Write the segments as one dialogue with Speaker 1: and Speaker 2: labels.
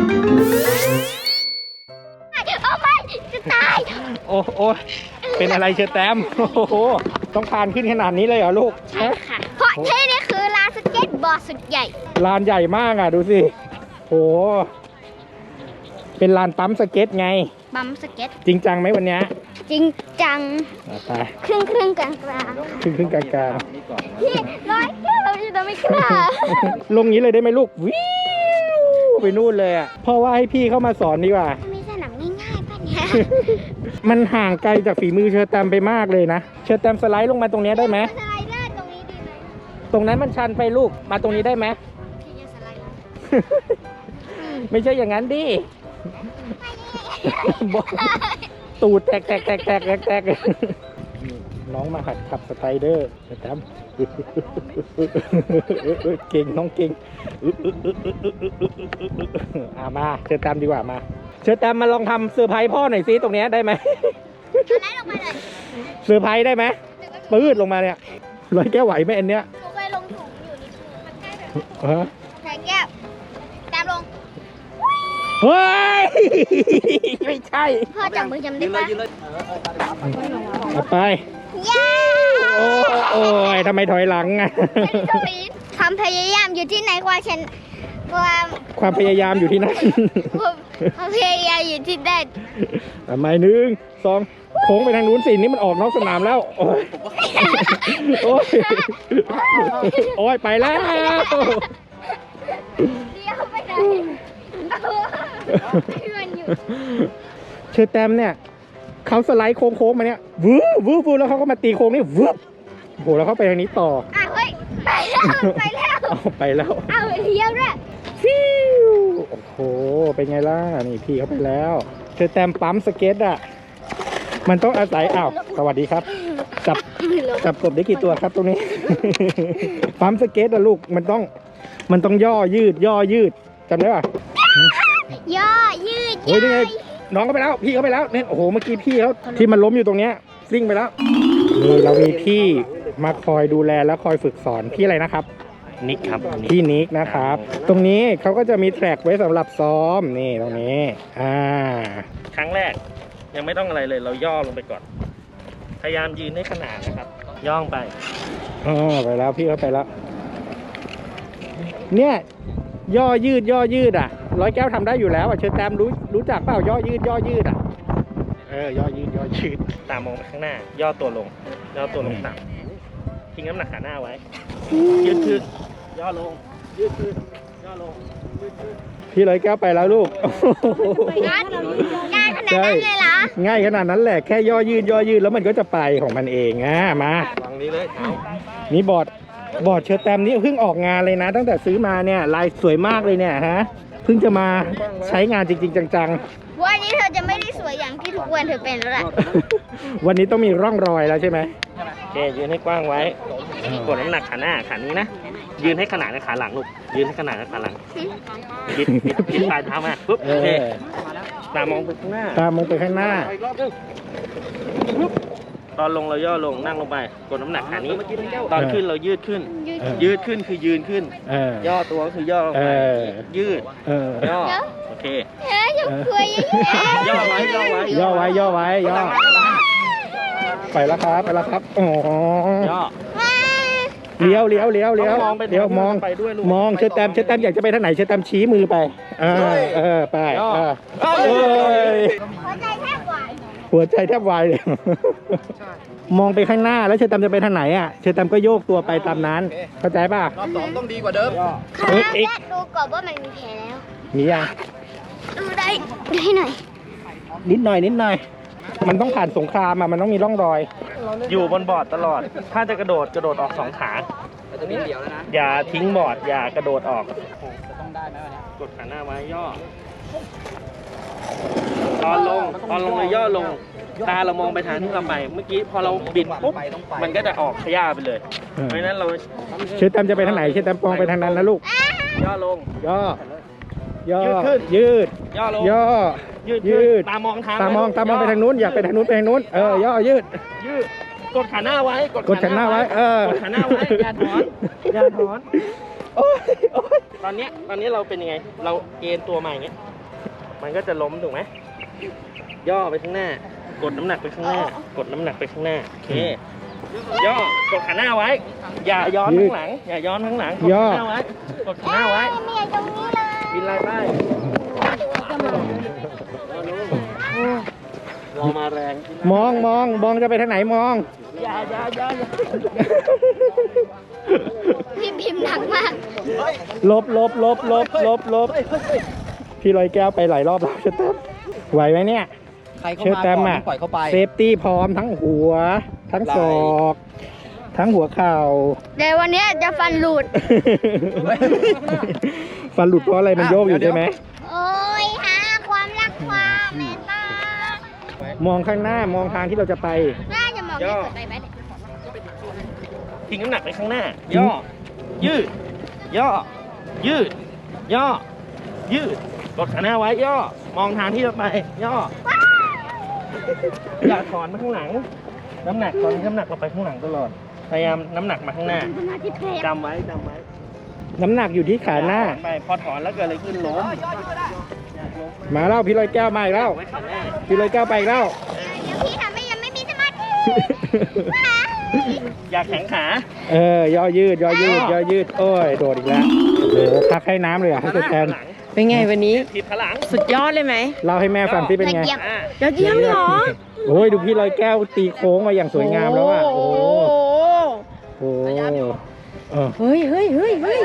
Speaker 1: จะตาย
Speaker 2: โอ้โอ้เป็นอะไรเชอแตมโอ้โหต้องคานขึ้นขนาดนี้เลยเหรอลูก
Speaker 1: ใช่ค่ะเพราะที่นี่คือลานสเก็ตบอร์ดสุดใหญ่
Speaker 2: ลานใหญ่มากอ่ะดูสิโหเป็นลานปั๊มสเก็ตไง
Speaker 1: บัมสเก็ต
Speaker 2: จริงจังไหมวันนี้
Speaker 1: จริงจัง
Speaker 2: ไป
Speaker 1: ครึ่งกลาง
Speaker 2: ครึ่งกลาง
Speaker 1: ๆพี่ร้อยแก้วเราจะไม่กล้า
Speaker 2: ๆลงนี้เลยได้ไหมลูกวิวไปนู่นเลยอ่ะเพราะว่าให้พี่เข้ามาสอนดีกว่า
Speaker 1: มีสนามง่ายๆป่ะเนี่ย
Speaker 2: มันห่างไกลจากฝีมือเชอแตมไปมากเลยนะเชอแตมสไลด์ลงมาตรงนี้ได้ไหม
Speaker 1: สไลเดอร์ตรงนี้ดีไหม
Speaker 2: ตรงนั้นมันชันไปลูกมาตรงนี้ได้ไหม
Speaker 1: พี่จะสไลเดอร์
Speaker 2: ไม่ใช่อย่างนั้นดิบอกตูดแตกน้องมาหัดขับสไตรเดอร์นะครับเก่งน้องเก่งมาเชิญตามดีกว่ามาเชิญตามมาลองทำเซอร์ไพรส์พ่อหน่อยซิตรงนี้ได้ไหม
Speaker 1: สไลด์ลงมาเลย
Speaker 2: เซอร์ไพรส์ได้ไหมปื้ดลงมาเนี่ยร้อยแก้วไหวไหมอันเนี้ย
Speaker 1: หนูเคยลงถุงอยู่นิดนึงมันใกล้แบบ
Speaker 2: ฮะ
Speaker 1: ใส่แก้วตามลง
Speaker 2: เฮ้ยไม่ใช่
Speaker 1: พ่อจับมือจำได้ปะ
Speaker 2: เอาไป
Speaker 1: เย้
Speaker 2: โอ้ยทำไมถอยหลังอ่ะ
Speaker 1: ความพยายามอยู่ที่ไหนความ
Speaker 2: พยายามอยู่ที่นั่น
Speaker 1: ความพยายามอยู่ที่นั่น
Speaker 2: ทำไม1 2โค้งไปทางนู้นสินี่มันออกนอกสนามแล้วโอ้ยโอ้ยไปแล้ว
Speaker 1: เดี๋ยวไปไหนพี่มันอยู่
Speaker 2: เชอแตมเนี่ยเขาสไลด์โค้งมาเนี่ยวืบแล้วเขาก็มาตีโค้งนี่วืบโหแล้วเขาไปทางนี้ต่อ
Speaker 1: เฮ้ยไปแล้ว
Speaker 2: เอาไปแล้ว
Speaker 1: เอาเลี้ยวด้วย
Speaker 2: ฟิวโอ้โหเป็นไงล่ะนี่พี่เขาไปแล้วเชอแตมปั๊มสเก็ตอ่ะมันต้องอาศัยสวัสดีครับจับกบได้กี่ตัวครับตรงนี้ ปั๊มสเก็ตอะลูกมันต้องย่อยืดจำได้ป่ะ
Speaker 1: ย่อยืด
Speaker 2: เฮ้ยนี่ไงน้องก็ไปแล้วพี่เขาไปแล้วเนี่ยโอ้โหเมื่อกี้พี่เขาที่มันล้มอยู่ตรงเนี้ยซิ่งไปแล้วนี่เรามีพี่มาคอยดูแลและคอยฝึกสอนพี่อะไรนะครับนิกครับพี่นิกนะครับ ตรงนี้เขาก็จะมีแทร็กไว้สำหรับซ้อมนี่ตรงนี้ครั้งแรกยังไม่ต้องอะไรเลยเราย่อลงไปก่อนพยายามยืนให้ขนาดนะครับย่องไปไปแล้วพี่เขาไปแล้วเนี่ยย่อยืดอ่ะร้อยแก้วทำได้อยู่แล้วเชิญแตมรู้จักเปล่าย่อยืดย่อยืดย่อยืดตามมองไปข้างหน้าย่อตัวลงต่ำทิ้งน้ำหนักขาหน้าไว้ยืดขึ้นย่อลงยืดขึ้นย่อลงยืดขึ้นพี่ร้อยแก้วไปแล้วลูก
Speaker 1: ง่ายขนาดนั้นเลยเหรอ
Speaker 2: ง่ายขนาดนั้นแหละแค่ย่อยืดแล้วมันก็จะไปของมันเองมาวางนี้เลยนี่บอร์ดเชอแตมนี่เพิ่งออกงานเลยนะตั้งแต่ซื้อมาเนี่ยลายสวยมากเลยเนี่ยฮะเพิ่งจะมาใช้งานจริงๆจัง
Speaker 1: ๆวันนี้เธอจะไม่ได้สวยอย่างที่ทุกวันเธอเป็นแล้วแหละ
Speaker 2: วันนี้ต้องมีร่องรอยแล้วใช่ไหมโอเคยืนให้กว้างไว้กดน้ำหนักขาหน้าขานี้นะยืนให้ขนาดกับขาหลังลูกยืนให้ขนาดกับขาหลังบิดปลายเท้ามาปุ๊บโอเคตามองไปข้างหน้าตอนลงเราย่อลงนั่งลงไปกดน้ำหนักขานี้ตอนขึ้นเรายืดขึ้นคือยืนขึ้นย่อตัวคือย่อไปยืดย่อโอเค
Speaker 1: จะคุย
Speaker 2: ย่อไว้ไปแล้วครับโอ้ย่อเลี้ยวมองเชอแตมอยากจะไปทางไหนเชอแตมชี้มือไปไปหัวใจแทบวายเลยมองไปข้างหน้าแล้วเชอแตมจะไปทางไหนเชอแตมก็โยกตัวไปตามนั้นเข้าใจป่ะ
Speaker 3: รอบ2ต้องดีกว่าเดิม
Speaker 1: ดูก่อนว่ามันมีแผลแล้ว
Speaker 2: มียัง
Speaker 1: ได้หน่อย
Speaker 2: นิดหน่อยมันต้องผ่านสงครามมันต้องมีร่องรอยอยู่บนบอร์ดตลอดถ้าจะกระโดดออก2 ขาอย่าทิ้งบอร์ดอย่ากระโดดออกต้องได้นะกดขาหน้าไว้ย่อตอนลงเลยย่อลงตาเรามองไปทางที่เราไปเมื่อกี้พอเราบิดปุ๊บมันก็จะออกขย่าไปเลยเพราะฉะนั้นเราเชอแตมจะไปทางไหนเชอแตมมองไปทางนั้นนะลูกย่อลงยืดขึ้นย่อลงยืดตามองไปทางนู้นอยากไปทางนู้นย่อยืดกดขาหน้าไว้กดขาหน้าไว้อย่าถอนตอนนี้เราเป็นยังไงเราเอ็นตัวมาอย่างเงี้ย
Speaker 3: มันก็จะล้มถูกไหมย่อไปข้างหน้า กดน้ำหนักไปข้างหน้า กดน้ำหนักไปข้างหน้าโอเคย่อกดขาหน้าไว้ อย่าย้อนข้างหลัง อย่าย้อนข้างหลังกดขาหน้าไว้กดขาหน้าไว้
Speaker 1: ไม่อยากตรงนี้เลย
Speaker 3: บินไล่ไปเรามาแรง
Speaker 2: มองจะไปทางไหนมอง
Speaker 3: อย่า
Speaker 1: พิมพ์หนักมาก
Speaker 2: ลบพี่ลอยแก้วไปหลายรอบแล้วเชอร์แตมไหวไหมเนี่ย
Speaker 4: ใครเข้า
Speaker 2: เชอ
Speaker 4: มา
Speaker 2: ร์แตม
Speaker 4: ก่อน
Speaker 2: อะ
Speaker 4: ปล่อยเข้าไป
Speaker 2: เซฟตี้พร้อมทั้งหัว ทั้งศอก ทั้งหัวเข่า
Speaker 1: เดี๋ยววันนี้จะฟันหลุด
Speaker 2: ฟันหลุดเพราะอะไรมันโยกอยู่ใช่ไหม
Speaker 1: โอ้ยหาความรักความเมตตาม
Speaker 2: องข้างหน้ามองทางที่เราจะไป
Speaker 1: น่าจะมองไม่กดไปไหม
Speaker 3: ทิ้งน้ำหนักไปข้างหน้า ย่อ ยืด ย่อ ยืด ย่อ ยืด กดขาหน้าไว้ ย่อ มองทางที่จะไป ย่อ อย่าถอนมาข้างหลัง น้ำหนักตอนนี้น้ำหนักเราไปข้างหลังตลอด พยายามน้ำหนักมาข้างหน้าจำไว้
Speaker 2: น้ำหนักอยู่ที่ขาหน้า
Speaker 3: ไปพอถอนแล้วเกิดอะไรขึ้นล้ม
Speaker 2: มาแล้วพี่ลอยแก้วมาอีกแล้ว
Speaker 3: ไว้ขาหน้า
Speaker 2: พี่ลอยแก้วไปอีกแล้ว
Speaker 1: เดี๋ยวพี่ทำให้ยังไม่มีสมาธิ
Speaker 3: อย่าแข็งขา
Speaker 2: ย่อยืด โอ้ย โดดอีกแล้วโอ้โหพักให้น้ำเลยอ่ะให้เชอร์แตม
Speaker 5: เป็นไงวันนี้
Speaker 3: ถีบขาหลัง
Speaker 5: สุดยอดเลยไหม
Speaker 2: เล่าให้แม่ฟังที่เป็นไง
Speaker 1: ละเอียด
Speaker 5: ยอดเยี่ยมเหรอ
Speaker 2: โอ้ยดูพี่ลอยแก้วตีโค้งมาอย่างสวยงามแล้วอ่ะ โอ้โหโอ้โห
Speaker 5: เฮ้ย
Speaker 2: โอ้โห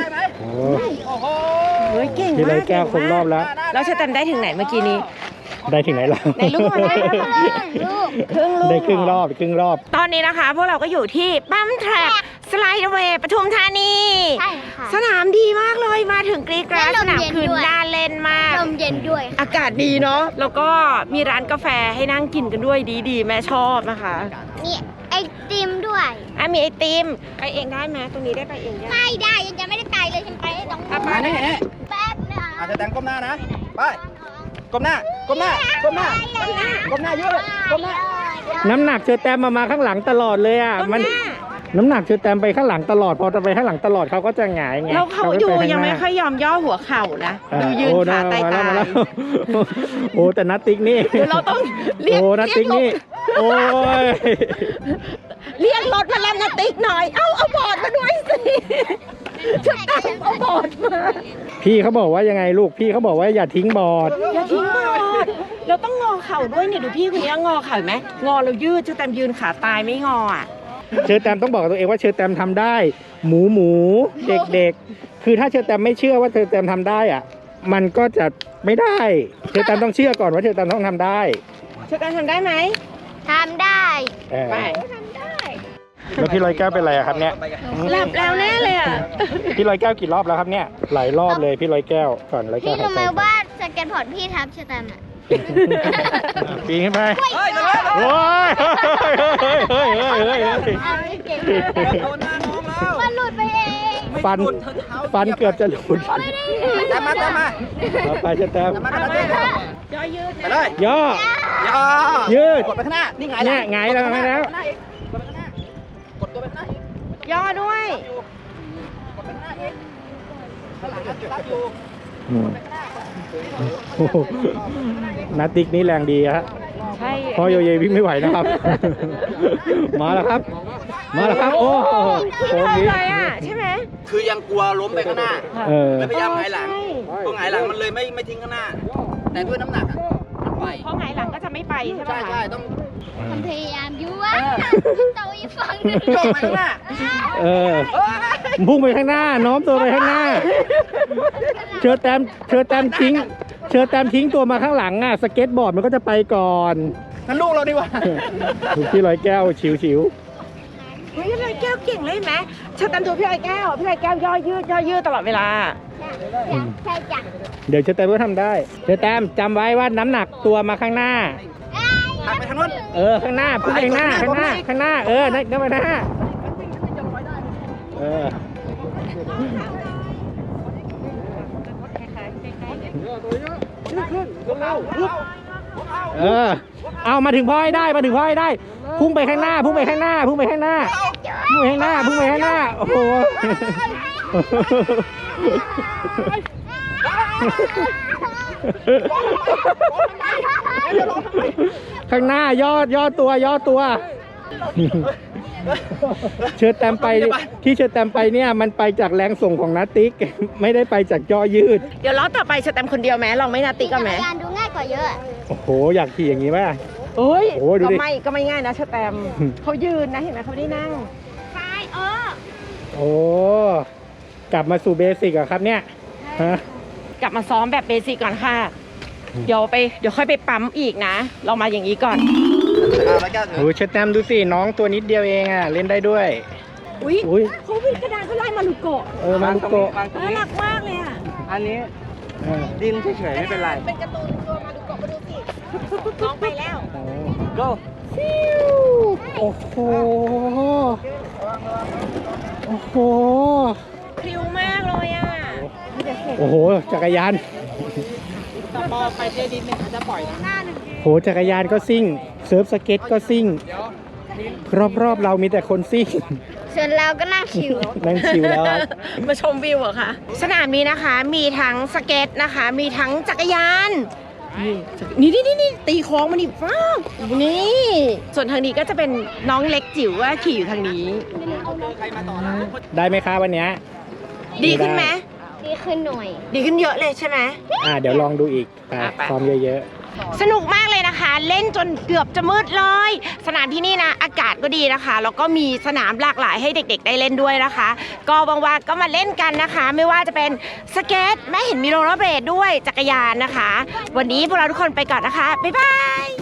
Speaker 5: เฮ้ยเก่ง
Speaker 2: พี่ล
Speaker 5: มา
Speaker 2: อก ยแก้วครบรอบแล้ว
Speaker 5: แล้วเชอร์แตมได้ถึงไหนเมื่อกี้นี้
Speaker 2: ได้ถึงไหนแล้ว
Speaker 5: ในลูกมันได้
Speaker 1: ลูก
Speaker 5: ครึ่งลูก
Speaker 2: ได้ครึ่งรอบ
Speaker 5: ตอนนี้นะคะ พวกเราก็อยู่ที่ปั๊มแทร็กสไลด์เวย์ปทุมธานี
Speaker 1: ใช่ค่ะ
Speaker 5: สนามดีมากเลยมาถึงกรีดกราด
Speaker 1: และล
Speaker 5: ส
Speaker 1: ม
Speaker 5: นาม
Speaker 1: เย็น
Speaker 5: คืน
Speaker 1: ด้วย
Speaker 5: น่าเล่นมาก
Speaker 1: ลมเย็นด้วย
Speaker 5: อากาศดีเนาะแล้วก็มีร้านกาแฟให้นั่งกินกันด้วยดีๆ แม่ชอบนะคะ
Speaker 1: มีไอติมด้วย
Speaker 5: มีไอติมไปเองได้ไหมตรงนี้ได้ไปเองยัง
Speaker 1: ไม่ได้ยังจะไม่ได้ไปเลยฉันไปได้ตรง
Speaker 5: อ่ะไป
Speaker 4: มานี่
Speaker 1: แป๊บนะ
Speaker 4: อาจจะแต่งก้มหน้านะ ไป ก้มหน้า ก้มหน้า ก้มหน้า ก้มหน้าเยอะเลยก้มหน้า
Speaker 2: น้ำหนักเชอร์แตมมาข้างหลังตลอดเลยอ่ะ
Speaker 5: ต้นหน้า
Speaker 2: น้ำหนักเชอร์แตมไปข้างหลังตลอด พอจะไปข้างหลังตลอดเขาก็จะหงายไง
Speaker 5: แล้วเขา
Speaker 2: ไม่
Speaker 5: อยู่
Speaker 2: ปข้า
Speaker 5: ยัง
Speaker 2: ห
Speaker 5: ไม่
Speaker 2: น้า
Speaker 5: ค่อยยอมย่อหัวเข่านะดูยืนขาตาย
Speaker 2: มา
Speaker 5: ตา
Speaker 2: แล้วโอ้แต่นัตติ๊กนี่
Speaker 5: เดี๋ยวเราต้องเรียก
Speaker 2: โอ้นัตติ๊กนี่ โอ้ย
Speaker 5: เรียกรถมารับนาติ๊กหน่อย เอาบอร์ดมาด้วยสิจะตามเอาบอร์ดมา
Speaker 2: พี่เขาบอกว่ายังไงลูก พี่เขาบอกว่าอย่าทิ้งบอร์ด
Speaker 5: อย่าทิ้งบอร์ดเราต้องงอเข่าด้วยเนี่ยดูพี่คนนี้งอเข่าเห็นไหมงอเรายืดจะแต่ยืนขาตายไม่งออ่ะ
Speaker 2: เชอร์แตมต้องบอกกับตัวเองว่าเชอร์แตมทำได้ หมูเด็กๆ คือถ้าเชอร์แตมไม่เชื่อว่าเชอร์แตมทำได้อ่ะ มันก็จะไม่ได้ เชอร์แตมต้องเชื่อก่อนว่าเชอร์แตมต้องทำได้
Speaker 5: เชอร์แตมทำได้ไหม
Speaker 1: ทำได้
Speaker 5: ไป
Speaker 2: แล้วพี่ลอยแก้วเป็นไรอะครับเนี่ย
Speaker 5: หลับแล้วแน่เลยอ่ะ
Speaker 2: พี่ลอยแก้วกี่รอบแล้วครับเนี่ย หลายรอบเลยพี่ลอยแก้วก่อนลอยแก้
Speaker 1: พี่
Speaker 2: วหาย
Speaker 1: รู้
Speaker 2: ใจ
Speaker 1: ไหมว่าสเก็ตบอร์ดพี่ทับชะตามอ่ะ
Speaker 2: ปีนขึ้นไป
Speaker 4: เฮ้ยเดี๋ยว
Speaker 2: โอ้ยเฮ้ย
Speaker 1: เก่ง
Speaker 4: โดนหน้าน้องแล้ว
Speaker 1: มันหลุดไปเอง
Speaker 2: ฟันเกือบจะหลุด
Speaker 4: ตามมา
Speaker 2: เอาไปเชอร์แตม
Speaker 4: ตามมากันเลย
Speaker 5: ย่อยืด
Speaker 4: ไปเลย
Speaker 2: ย่อ
Speaker 4: ย่อ
Speaker 2: ยืด
Speaker 4: กดไปข้างหน้า นี่ไง
Speaker 2: เนี่ยไงแล้วไงแล้ว
Speaker 4: กดตัวไปข้างหน้าอีก
Speaker 5: ย่อด้วย
Speaker 4: กดไปข้างหน้าอีกข้างหลังรับอยู่
Speaker 2: โอ้โหนาติ๊กนี่แรงดีฮะ
Speaker 5: ใช่
Speaker 2: พ่อโยเยวิ่งไม่ไหวนะครับ มาแล้วครับ โอ้โห
Speaker 5: พี่
Speaker 2: โค้ง
Speaker 5: ทำ
Speaker 2: นี้
Speaker 5: เลยอ่ะใช่ไหม
Speaker 4: คือยังกลัวล้มไปข้างหน้า
Speaker 2: เออ
Speaker 4: เลยพยายามหงายหลัง
Speaker 5: ใช่
Speaker 4: พอหงายหลังมันเลยไม่ทิ้งข้างหน้า แต่ด้วยน้ำหนักอะมันไป
Speaker 5: เพราะไงหลังก็จะไม่ไปใช่ไหม
Speaker 4: ใช่ต้อง
Speaker 1: มันพยายามอยู่ว่าโตอีกฝั่งหนึง
Speaker 4: โยกไปข้างหน้า
Speaker 2: เออ พุ่งไปข้างหน้า โน้มตัวไปข้างหน้า เชอร์แตมทิ้งตัวมาข้างหลังอ่ะ สเก็ตบอร์ดมันก็จะไปก่อน
Speaker 4: นั่นลูกเราดีกว่า
Speaker 2: ถูกที่ร้อยแก้วฉิว
Speaker 5: เฮ้ยพี่ลอยแก้วเก่งเลยเห็นไหมเชอร์แตมดูพี่ลอยแก้วย่อยืดตลอดเวลา
Speaker 1: ใช่จ้ะ
Speaker 2: เดี๋ยวเชอร์แตมก็ทำได้ เชอร์แตมจำไว้ว่าน้ำหนักตัวมาข้างหน้า
Speaker 4: หักไปทางนู้น
Speaker 2: ข้างหน้าพุ่งไปข้างหน้า ข้างหน้า นั่นไปหน้าเอามาถึงพ่อให้ได้ พุ่งไปข้างหน้า โอ้โห
Speaker 1: เ
Speaker 2: ข้างหน้าย่อตัวเชิญแตมไปที่เชิญแตมไปเนี่ยมันไปจากแรงส่งของนาติ๊ก ไม่ได้ไปจากย่อยืด
Speaker 5: เดี๋ยวล้อต่อไปสแตมคนเดียวไหมลองไม่นาติกันไหม
Speaker 1: จักรยานดูง่ายกว่าเยอะ
Speaker 2: โอ้โหอยากขี่อย่างนี้ป่ะ
Speaker 5: โอ้ย
Speaker 2: โอ้ยดูดิ
Speaker 5: ก็ไม่ง่ายนะสแตมเขายืนนะเห็นไหมเขาไม่ได้นั่ง
Speaker 2: โอ้กลับมาสู่เบสิกอะครับเนี่ยฮะ
Speaker 5: กลับมาซ้อมแบบเบสิกก่อนค่ะ เดี๋ยวค่อยไปปั๊มอีกนะ เรามาอย่างนี้ก่อน
Speaker 4: แล้วก็
Speaker 2: โอ้เชิญแตมดูสิน้องตัวนิดเดียวเองอะเล่นได้ด้วย
Speaker 5: อุ้ย
Speaker 2: อุ้ย
Speaker 5: เขาวิ่งกระดานเขาไล่มาลุโกะ
Speaker 2: มารุโกะ
Speaker 4: วางตรง
Speaker 5: น่า
Speaker 4: นี้
Speaker 5: รักมากเลยอ่ะ
Speaker 4: อันนี้
Speaker 2: เออ
Speaker 4: ดินเฉยๆไม่เป็นไร
Speaker 5: เป็นการ์ตูนตัวมาลุโกะมาดูสิน้องไปแล้ว
Speaker 4: go
Speaker 2: โอ้โหโอ้โห
Speaker 5: พริ้วมากเลยอ่ะ
Speaker 2: โอ้โหจักรยาน
Speaker 4: แต่พอไปเจดินเนี่ยเขาจะปล่อยนะ
Speaker 2: โหจักรยานก็ซิ่งเซิร์ฟสเก็ตก็ซิ่งรอบๆเรามีแต่คนซิ่ง
Speaker 1: ส่วนเราก็นั่งชิว
Speaker 2: นั่งชิวแล้วครับ
Speaker 5: มาชมวิวเหรอคะสนามนี้นะคะมีทั้งสเก็ตนะคะ มีทั้งจักรยานนี่ตีโค้งมาดิฟ้าวนี่ส่วนทางนี้ก็จะเป็นน้องเล็กจิ๋วว่าขี่อยู่ทางนี้
Speaker 2: ได้ไหมคะวันเนี้ย
Speaker 5: ดีขึ้นไหม
Speaker 1: ดีขึ้นหน่อย
Speaker 5: ดีขึ้นเยอะเลยใช่ไหม
Speaker 2: เดี๋ยวลองดูอีก
Speaker 5: ไป
Speaker 2: ซ้อมเยอะ
Speaker 5: สนุกมากเลยนะคะ เล่นจนเกือบจะมืดเลย สนามที่นี่นะอากาศก็ดีนะคะแล้วก็มีสนามหลากหลายให้เด็กๆได้เล่นด้วยนะคะ ก็ว่างๆก็มาเล่นกันนะคะ ไม่ว่าจะเป็นสเก็ตแม่เห็นมีโรลเลอร์เบลดด้วยจักรยานนะคะ วันนี้พวกเราทุกคนไปก่อนนะคะบ๊ายบาย